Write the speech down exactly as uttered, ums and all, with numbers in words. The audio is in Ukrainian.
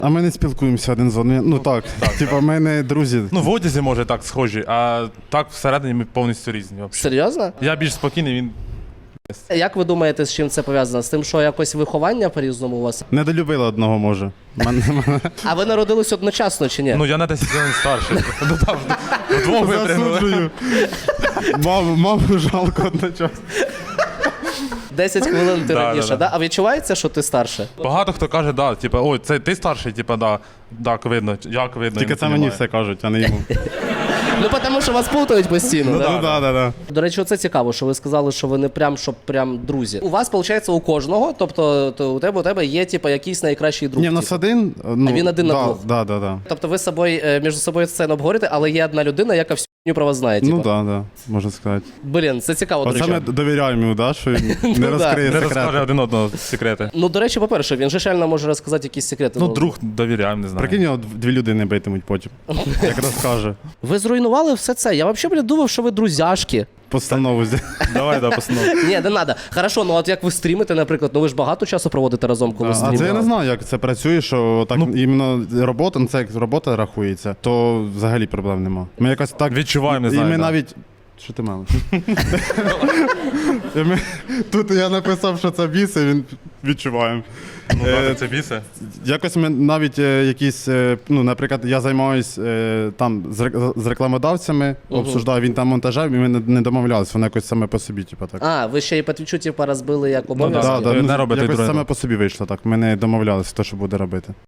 А ми не спілкуємося один з одним. Ну так, так, типа ми не друзі. Ну, в одязі, може, так схожі, а так всередині ми повністю різні. взагалі. Серйозно? Я більш спокійний, він... Як ви думаєте, з чим це пов'язано? З тим, що якось виховання по-різному у вас? Недолюбила одного, може. Мене- мене- А ви народились одночасно чи ні? Ну, я на десять років старший. Ну, там, вдвох випрямили. Засуджую. Маму, маму жалко одночасно. десять хвилин ти Да, раніше, да, да, да. А відчувається, що ти старше? Багато хто каже, да, типа, ой, це ти старший, типа, да, так видно, як видно. Тільки я не це мені понімаю. все кажуть, а не йому. Ну, тому що вас плутають постійно, да? Ну так, так, так. До речі, оце цікаво, що ви сказали, що ви не прям, щоб прям друзі. У вас, виходить, у кожного, тобто то у тебе, у тебе є, типу, якийсь найкращий друг. Ні, в нас типу. один. Ну, А він один на да, двох? Да, да, да. Тобто ви з собою, е, між собою це не обговорите, але є одна людина, яка всю хуйню про вас знає, типу. Ну так, да, можна сказати. Блін, це цікаво, до Оце речі. ми довіряємо йому, да, що він Ну, не да. розкриє Не розкаже секрети. один одного секрети. Ну, до речі, по-перше, він же реально може розказати якісь секрети. Ну, друг довіряємо, не знаю. Прикинь, його дві людини битимуть потім, як розкаже. Ви зруйнували все це. Я взагалі, блін, думав, що ви друзяшки. Постанову зі- Давай, да, постанов. Ні, не треба. Хорошо, ну от як ви стрімите, наприклад, ну ви ж багато часу проводите разом, коли А стрімите. це я не знаю, як це працює, що так іменно робота, ну це як робота рахується, то взагалі проблем нема. Ми якось так Відчуваємо, не І знаю, ми да. навіть. Що ти мали? І ми- Тут я написав, що це біси, він відчуваємо. Ну, Е, да, це бісе. Якось ми навіть е, якісь, е, ну, наприклад, я займаюсь е, там з рек- з рекламодавцями, обсуждаю, він там монтажем, і ми не- не домовлялися, воно якось саме по собі, типу так. А, ви ще і по твічу, типу, розбили як да. обов'язки? Да, да, Одне ну, робить, і якось друге саме робить. по собі вийшло так. Ми не домовлялися, хто що буде робити.